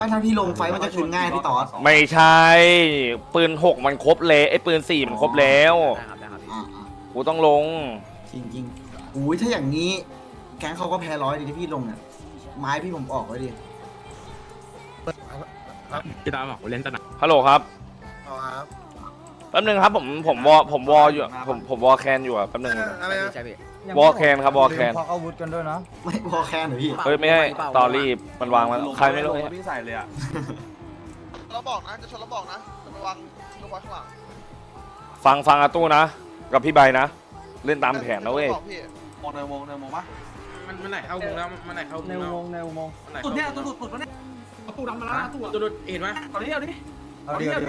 ถ้าพี่ลงไฟมันจะคืนง่ายพี่ต๋อไม่ใช่ปืน6มันครบเลยไอ้ปืน4มันครบแล้วกูต้องลงจริงๆอุ้ยถ้าอย่างนี้แก๊งเขาก็แพ้100ดิที่พี่ลงเนี่ยไม้พี่ผมออกไว้ดิพี่ตาบอกเล่นตะหนักฮัลโหลครับแป๊บนึงครับผมวออยู่ผมวอแคนอยู่อะแป๊บนึงวอแคนครับวอแคนพออาวุธกันด้วยนะไม่พอแค่หรือพี่เฮ้ยไม่ให้ตอรี่มันวางมาใครไม่รู้พี่ใส่เลยอ่ะเราบอกนะจะชนเราบอกนะจะระวังระวังข้างหลังฟังอาตู้นะกับพี่ใบนะเล่นตามแผนนะเว้ยมองในวงปะมันไหนเข้าวงแล้วมันไหนเข้าวงในอุโมงค์ในอุโมงค์ตุดเนี่ยตุดวะเนี่ยตุดดำมาแล้วตุดเห็นไหมเอาดิเอาเดี๋ยว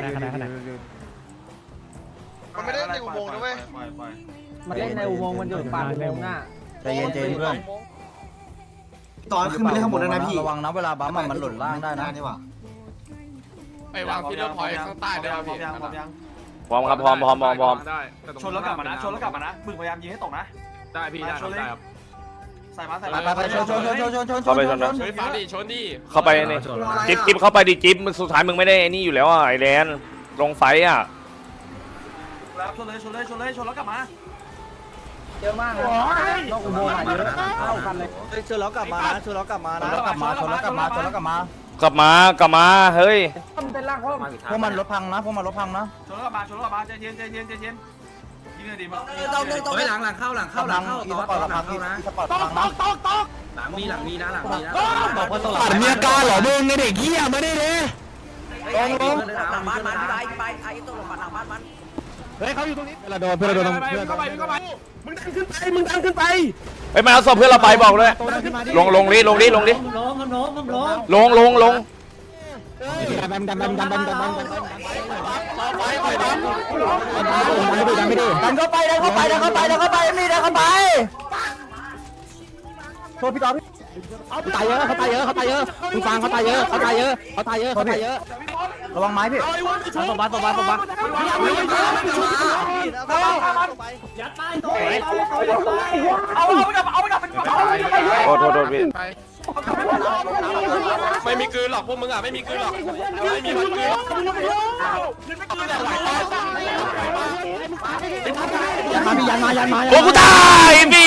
มันไม่ได้ในอุโมงค์นะเว้ยมันเล่นในอุโมงค์มันอยู่ปากอุโมงค์หน้าใจเย็นเพื่อนตอนขึ้นไปเล่นข้างบนแล้วนะพี่ระวังนะเวลาบัมมันหล่นล่างได้นะนี่หว่าไปวางพี่เลือพอยข้างใต้ได้ไหมพร้อมครับพร้อมได้ชนแล้วกลับมานะมึงพยายามยิงให้ตกนะได้พี่ได้ครับใส่มาไปชนเข้าไปชนนะชนฟ้าดิชนดิเข้าไปนี่จิ๊บเข้าไปดิจิ๊บสุดท้ายมึงไม่ได้นี่อยู่แล้วอ่ะไอแลนลงไฟอ่ะแล้วชนแล้วกลับมาเยอะมากนะนอกอุโมงค์เยอะเข้ากันเลยชนแล้วกลับมานะชนแล้วกลับมานะกลับมาเฮ้ยมันเป็นร่างพวกมันรถพังนะพวกมันรถพังนะชนแล้วกลับมาใจเย็นยิงเลยดีมั้งหลังเข้าต่อหลังเข้านะสปอร์ตพังนะหลังมีนะบอกว่าตลอดมีอาการเหรอมึงไอเด็กเหี้ยมาได้เลยลงหลังบ้านมันไปไอ้ตัวหลังบ้านมันเฮ้ยเขาอยู่ตรงนี้เวลาโดนเพื่อนโดนเพื่อนเข้าไปมึงดันขึ้นไปเฮ้ยมาเอาศพเพื่อนเราไปบอกเลยลงดิลงลงแบมดันเข้าไปมีดันเข้าไปโทษพี่ต่อพี่เขาตายเยอะมึงฟังเขาตายเยอะระวังไม้พี่ตบมาโทษพี่ไม่มีกืนหรอกพวกมึงอ่ะไม่มีกืนหรอกไม่มีมันกืนยันมาโอ้กูตายพี่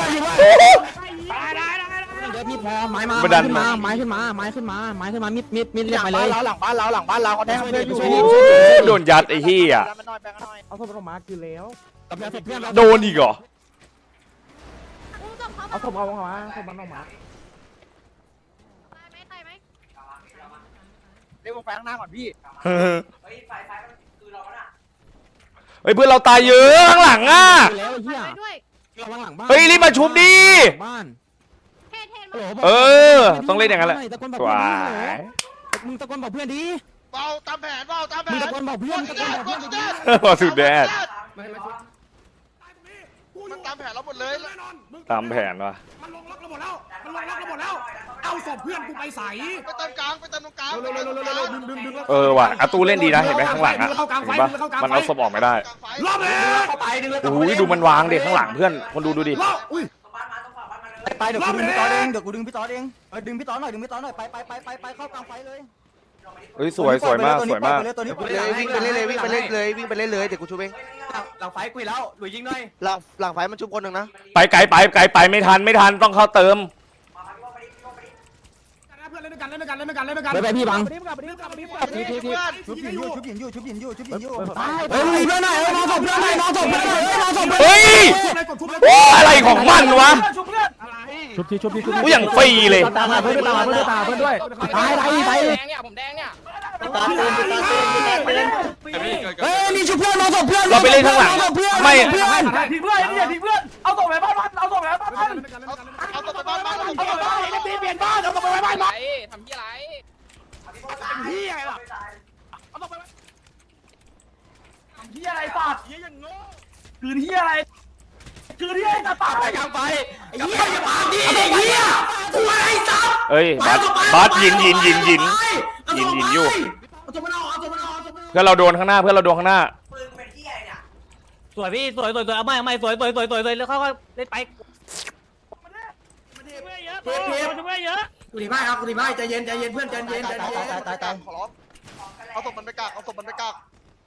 เดี๋ยวพี่พอไม้มาขึ้นมามิดเรียกไปเลยหลังบ้านเราเขาแทงเพื่อนอยู่โดนยัดไอ้เหี้ยเอาศพลงมาคือแล้วโดนอีกเหรอเอาศพเอาออกมาศพมันออกมาเรียกวงไฟข้างหน้าก่อนพี่เฮ้ยเพื่อนเราตายเยอะข้างหลังอ่ะแล้วเฮียเฮ้ยรีบมาชุบดิต้องเล่นอย่างนั้นแหละสวยมึงตะโกนบอกเพื่อนดิเบาตามแผนมึงตะโกนบอกเพื่อนพอสุดแดดมันตามแผนเราหมดเลยตามแผนว่ะมันลงล็อกเราหมดแล้วเอาศพเพื่อนกูไปใส่ไปเติมกลางตรงกลางว่ะอาตูเล่นดีนะเห็นไหมข้างหลังอ่ะเห็นปะมันเอาศพออกไม่ได้รอบเลยโอ้ยดูมันวางเด็กข้างหลังเพื่อนคนดูดิไปเดี๋ยวกูดึงพี่ต่อเองดึงพี่ต่อหน่อยไปเข้ากลางไฟเลยเฮ้ยสวยมากวิ่งไปเล่นเลยวิ่งไปเล่นเลยเดี๋ยวกูชูเองหลังไฟกุยแล้วหลุยยิงหน่อยหลังไฟมันชุบคนหนึ่งนะไปไกลไปไม่ทันต้องเข้าเติมเพื่อนเล่นด้วยกันไปพี่บังชุบหินอยู่เฮ้ยเพื่อนหน่อยมองศพเพื่อนหน่อยเฮ้ยโอ้อะไรของมันวะชุบทีกูอย่างฟรีเลยตามมาเพื่อนด้วยตายผมแดงเนี่ยเฮ้ยนี่ชุบเพื่อนมองศพเพื่อนเราไปเล่นข้างหลังไม่ทิ้งเพื่อนเอาส่งไปบ้านเอาตัวไปบ้านเปลี่ยนบ้านเอาไปไว้บ้านมาทำที่ไรที่อะไรล่ะเอาไปที่อะไรสัตว์คือที่อะไรจะตายกลางไปไอ้เหี้ยอย่าปากดิไอ้เหี้ยกูไอ้สัตว์เอ้ยบาสยินอยู่เพื่อนเราโดนข้างหน้าสวยพี่สวยเอาไม่สวยแล้วเขาก็เล่นไปเยอะกูดีมากครับกูดีมากใจเย็นใจเย็นเพื่อนใจเย็นใจเย็นตายขอร้องเอาศพมันไปกักเอาศพมันไปกัก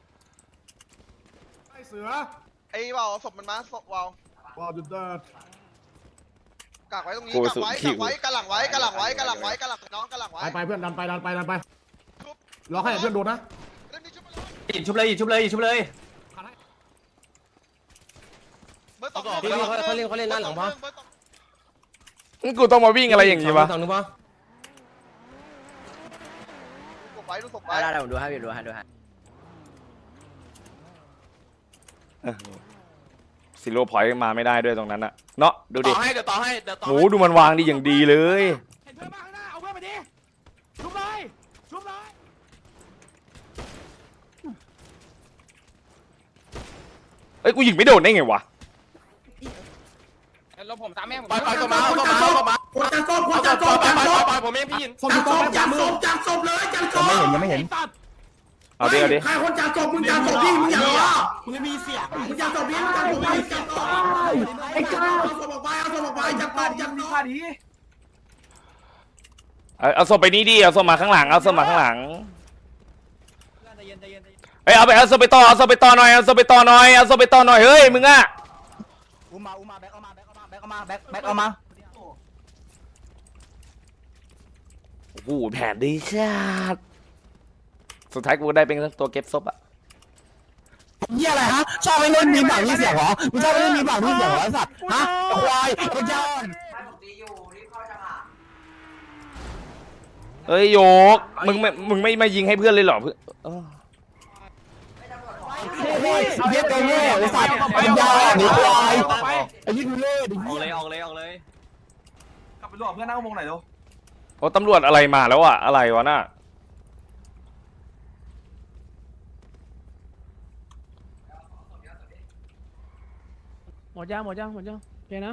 ไอ้เสือไอ้ว่าวเอาศพมันมาศพว่าวว้าวจุดเดิดกักไว้ตรงนี้กักไว้กันหลังไว้กันหลังไว้กันหลังไว้กันหลังน้องกันหลังไว้ไปเพื่อนดันไปรอให้เพื่อนโดนนะเล่นนี่ชุบชุบเลยชุบเลยชุบเลยเบอร์สองเขาเล่นหน้าหลังปะกูต้องมาวิ่งอะไรอย่างนี้วะสองนึงปะดูศพไว้ได้ผมดูให้ดูให้ซิโร่พอยต์มาไม่ได้ด้วยตรงนั้นอะเนาะดูดิต่อให้เดี๋ยวต่อให้เดี๋ยวต่อโหดูมันวางดีอย่างดีเลยเห็นเพื่อนมาข้างหน้าเอาเพื่อนมาดิชุบเลยชุบเลยเอ้ยกูยิงไม่โดนได้ไงวะแล้วผมตามแม่ผมปล่อยตัวมาตัวมาคนจังศพคนจังศพจังศพปล่อยผมเองพี่ยินจังศพจังศพจังศพเลยจังศพยังไม่เห็นเอาดิเอาดิใครคนจังศพมึงจังศพพี่มึงอย่าล้อมึงไม่มีเสียงมึงจังศพพี่มึงจังศพพี่จังศพไอ้ก้าเอาศพออกไปเอาศพออกไปจังศพจังศพเอาศพไปนี่ดิเอาศพมาข้างหลังเอาศพมาข้างหลังเฮ้ยเอาไปเอาศพไปต่อเอาศพไปต่อหน่อยเอาศพไปต่อหน่อยเอาศพไปต่อหน่อยเฮ้ยมึงอะอุ้มมาแบ็คเอามาแบ็คเอามาโอ้โหแผนดีชาดสุดท้ายกูได้เป็นตัวเก็บศพอะเหี้ยอะไรฮะชอบไปเล่นมีปากมีเสียงเหรอมึงชอบไปเล่นมีปากมีเสียงเหรอไอ้สัตว์ฮะควายไอ้เจ้าเอ้ยโยกมึงไม่มายิงให้เพื่อนเลยเหรอเพื่อนเออเย็ดตัวโง่ไอ้สัตว์ปัญญาหนีควายไอ้ยี่ดูเล่ดิออกเลยออกเลยออกเลยกลับไปรวมเพื่อนหน้าวงไหนดูโอ้ตำรวจอะไรมาแล้วอะอะไรวะน่ะหมดยังโอเคนะ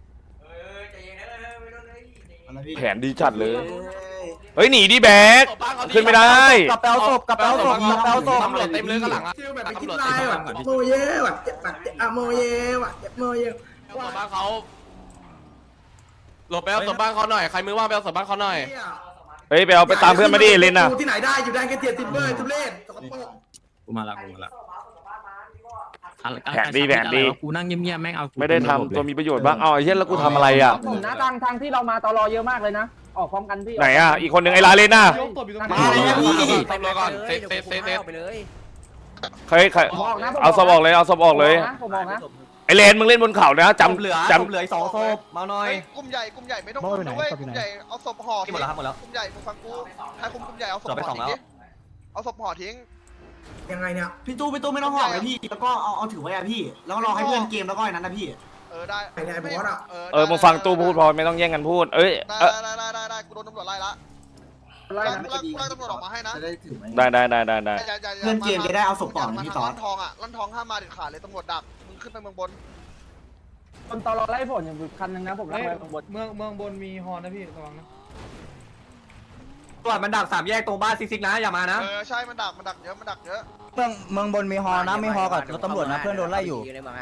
อะไรพี่แผนดีจัดเลยเฮ้ยหนีดิแบกขึ้นไม่ได้กระเป๋าศพตำรวจเต็มเลยข้างหลังอ่ะฟิลแบบไปคิดลายว่ะโมเย่ว่ะเจ็บแบบอะโมเย่ว่ะเจ็บโมเย่เอาศพบ้านเขาหลบไปเอาศพบ้านเขาหน่อยใครมือว่างไปเอาศพบ้านเขาหน่อยเฮ้ยไปเอาไปตามเพื่อนมาดิเลนน่ะที่ไหนได้อยู่แดนแค่เจ็ดสิบเบอร์ทุเรศสกปรกกูมาละแผนดีกูนั่งเงียบๆแม่งเอาไม่ได้ทำตัวมีประโยชน์บ้างเอาไอ้เหี้ยแล้วกูทำอะไรอ่ะผมนะทางที่เรามาตลอเยอะมากเลยนะออกพร้อมกันพี่ไหนอ่ะอีกคนหนึ่งไอ้ลาเลนน่ะมาเลยพี่ตำรวจก่อนเซตไปเลยใครเอาศพออกเลยเอาศพออกเลยผมบอกนะไอ้เลนมึงเล่นบนเขานะจำเหลือสองศพมาหน่อยกลุ่มใหญ่ไม่ต้องคุมด้วยกลุ่มใหญ่เอาศพห่อหมดแล้วครับหมดแล้วกลุ่มใหญ่มึงฟังกูให้คุมกลุ่มใหญ่เอาศพห่อทิ้งดิเอาศพห่อทิ้งยังไงเนี่ยพี่ตู้ไม่ต้องห่อเลยพี่แล้วก็เอาถือไว้อะพี่แล้วก็รอให้เพื่อนเกมแล้วก็ไอ้นั้นนะพี่ได้ไอ้เนี่ยบอสอ่ะมึงฟังตู้พูดพอไม่ต้องแย่งกันพูดเอ้ยได้กูโดนตำรวจไล่ละไล่ตำรวจออกมาให้นะจะได้ถือไว้ได้เพื่อนเกมจะได้เอาศพต่อนะพี่ต่อลั่นทองอ่ะลั่นทองห้ามมาเด็ดขาดเลยตำรวจดักมึงขึ้นไปเมืองบนคนตลอไล่ผลอย่างคันนึงนะผมไล่ไปบนเมืองบนมีฮอนนะพี่ระวังนะตรวจมันดัก3แยกตรงบ้านซิกนะอย่ามานะใช่มันดักเยอะเมืองบนมีฮอนะมีฮอกับรถตำรวจนะเพื่อนโดนไล่อยู่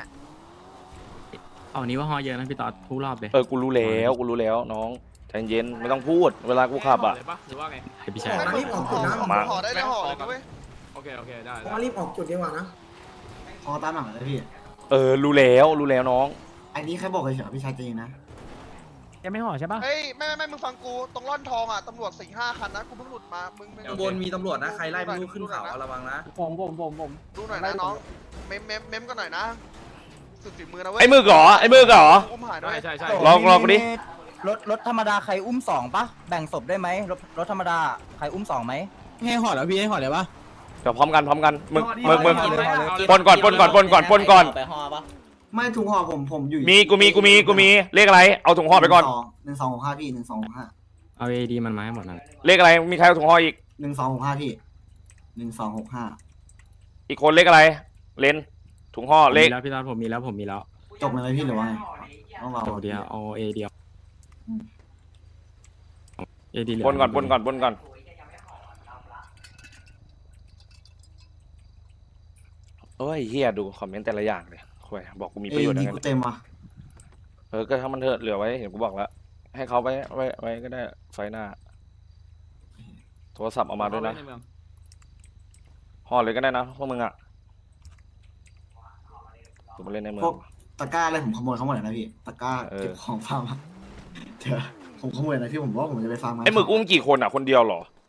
เอานี้ว่าฮอเยอะนะพี่ต่อทุกรอบเลยกูรู้แล้วน้องใจเย็นไม่ต้องพูดเวลากูขับอ่ะหรือว่าไงพี่อชายอกมารีบออกจุดนะห่อได้เลยห่อเลยด้วยโอเคได้ออกมารีบออกจุดดีกว่านะพอตามหลังเลยพี่รู้แล้วน้องอันนี้แค่บอกเฉยๆพี่ชายจริงนะยังไม่ห่อใช่ปะเฮ้ยไม่มึงฟังกูตรงร่อนทองอ่ะตำรวจ 4-5 คันนะกูเพิ่งหลุดมามึงบนมีตำรวจนะใครไล่ไม่รู้ขึ้นเขาระวังนะผมดูหน่อยนะน้องเมมกันหน่อยนะสุดฝีมือนะเว้ยไอ้มือเหรออุ้มหายด้วยใช่ลองกูดิรถธรรมดาใครอุ้ม2ปะแบ่งศพได้ไหมรถธรรมดาใครอุ้ม2ไหมให้ห่อแล้วพี่ให้ห่อเลยปะเดี๋ยวพร้อมกันมึงปนก่อนไปฮอปะไม่ถุงห่อผมอยู่กูมีเลขอะไรเอาถุงห่อไปก่อน 1265พี่1265 เอาเอดีมันมาให้หมดนั่นเลขอะไรมีใครเอาถุงห่ออีก 1265พี่1265 อีกคนเลขอะไรเลนถุงห่อเลขแล้วพี่ต่อผมมีแล้วจบเลยไหมพี่หรือว่าไงต้องรอเดียวเอาเอเดียวเอดีปนก่อนเอ้ยเฮียดูคอมเมนต์แต่ละอย่างเลยคุยบอกกูมีประโยชน์ดียังไงกูเต็มว่ะก็ถ้ามันเถอะเหลือไว้เห็นกูบอกแล้วให้เขาไว้ก็ได้ไฟหน้า โทรศัพท์เอามาด้วยนะห่อเลยก็ได้นะพวกมึงอ่ะผมมาเล่นในเมือพวงกตะกร้าอะไรผมขโมยเขาหมดเลยนะพี่ตะกร้าเก็บของฟาร์มอะเดี๋ยวผมขโมยนะพี่ผมว่าผมจะไปฟาร์มมาไอ้หมึกอุ้มกี่คนอ่ะคนเดียวเหรอ